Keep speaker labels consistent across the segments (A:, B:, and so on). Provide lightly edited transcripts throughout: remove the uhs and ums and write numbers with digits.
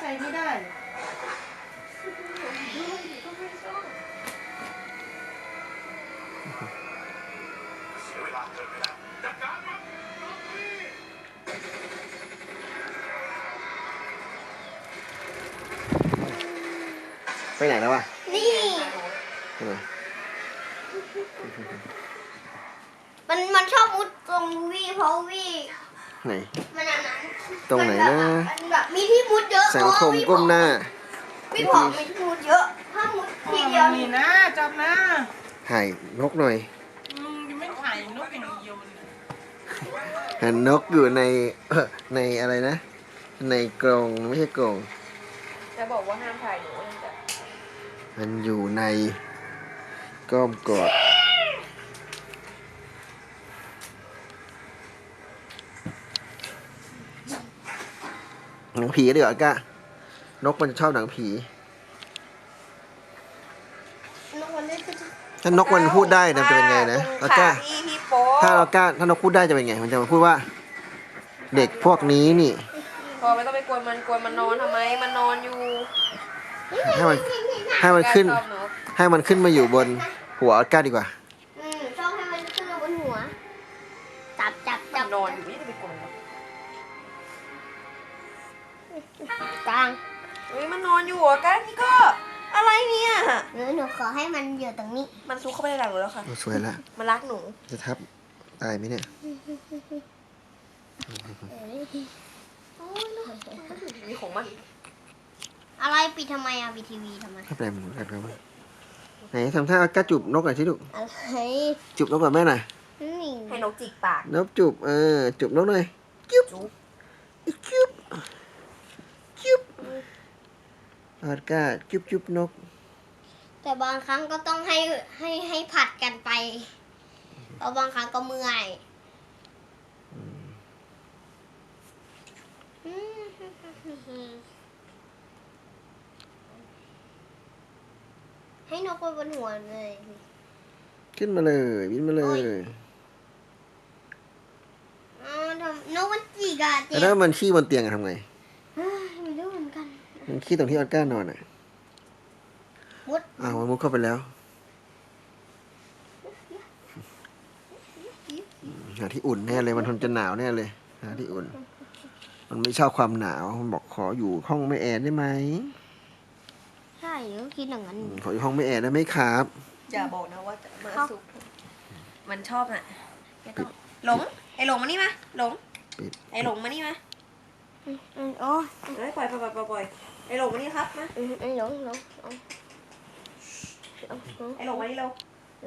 A: ช้ไม่ได้
B: ไปไหนแล้ววะ
C: นี่มันชอบมุดตรงวี่เพราะวี่
B: ไหน
C: มันอันนั้น
B: ตรงไหนนะ
C: มันแบบมีที่มุดเยอะ
B: สังคมก้มหน้า
C: พี่ผอมมีที่มุดเยอะถ้ามุดทีเดียว
A: นี่นะจับนะ
B: ถ่ายนกหน่อย
A: ยังไม่ถ่ายนกอย่างเดียว
B: เห็นนกอยู่ในอะไรนะในกรงไม่ใช่กรง
D: จะบอกว่าห้ามถ่ายหนูนั่นจ้ะ
B: มันอยู่ในก้อมกอดหนังผีเดี๋ยวก้านกมันจะชอบหนังผีถ้านกมันพูดได้นะจะเป็นไงนะแล้วก้าถ้านกพูดได้จะเป็นไงมันจะมาพูดว่าเด็กพวกนี้นี่
D: พอไม่ต้องไปกวนมันนอนทำไมมันนอนอยู่
B: ให้มันขึ้นมาอยู่บนหัวก้าดีกว่า
C: ชอบให้มันขึ้นมาบนหัวจับ
D: นอนอยู่ไม่ได้ไปกวนมัน
C: กลาง
D: เฮ้ยมันนอนอยู่อ่ะกันนี่ก็อะไรเนี่ย
C: หนูขอให้มันอยู่ตรงนี้
D: มันซุกเข้าไปในหลังหนูแล้วค่ะ
B: สวยละ
D: มันรักหนู
B: จะทับตายไหมเนี่ย
D: มีของมัน
C: อะไรปิดทำไมปิดทีวีทำไม
B: แปลมันกันครับไหนทำท่าก้าจูบนกหน่อยสิลูก
C: อะไร
B: จูบนกกับแม่หน่อย
D: ให้นกจิกปาก
B: นกจูบจูบนกหน่อยจุ๊บจุ๊บออดก้าจุ๊บนก
C: แต่บางครั้งก็ต้องให้ผัดกันไปเพราะบางครั้งก็เมื่อยให้นกไปบนหัวเลย
B: ขึ้นมาเลยบินมาเลย
C: นกมันจีกอะเจ๊
B: แล้วมันขี้บนเตียงทำไง
C: ไม่รู้เหมือนกัน
B: มันขี้ตรงที่ออดก้านอน
C: มุด
B: มันมุดเข้าไปแล้วหาที่อุ่นแน่เลยมันทนจะหนาวแน่เลยหาที่อุ่นมันไม่ชอบความหนาวมันบอกขออยู่ห้องไม่แอร์ได้ไหม
C: ใช่ก็คิดอย่างนั้น
B: ขออยู่ห้องไม่แอร์ได้ไหมครับ
D: อย่าบอกนะว่าจะมาซุกมันชอบน่ะหลงไอ้หลงมานี่มาหลงไอ้หลงมานี่มา
C: โอ้
D: ยปล่อยไอ้หลงมานี่ครับมา
C: ไอ้หลง
D: ไอ้หลงมานี่เรา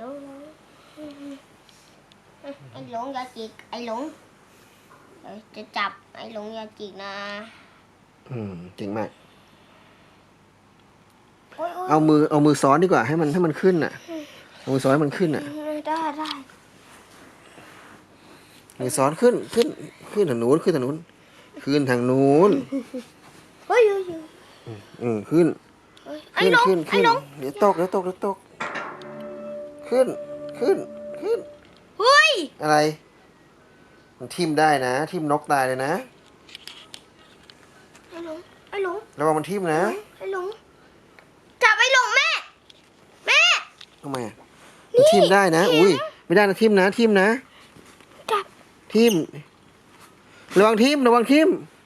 C: ไอ้หลงอย่าจิกไอ้หลงจะจับไอ้หลงอย่าจิกนะ
B: เก่งมากเอามือซ้อนดีกว่าให้มันขึ้นน่ะเอามือซ้อนให้มันขึ้นน่ะ
C: ได้
B: มือซ้อนขึ้นทางนู้นขึ้นทางนู้น
C: เฮ้ย
B: ขึ้นเดี๋ยวตกขึ้น
C: เฮ้ย
B: อะไรมันทิ่มได้นะทิ่มนกตายเลยนะ
C: ไอ้หลง
B: ระวังมันทิ่มนะ
C: ไอ้หลงจับไอ้หลงแม่
B: ทำไมมันทิ่มได้นะอุ้ยไม่ได้นะทิ่มนะ
C: จับ
B: ทิ่มระวังทิ่ม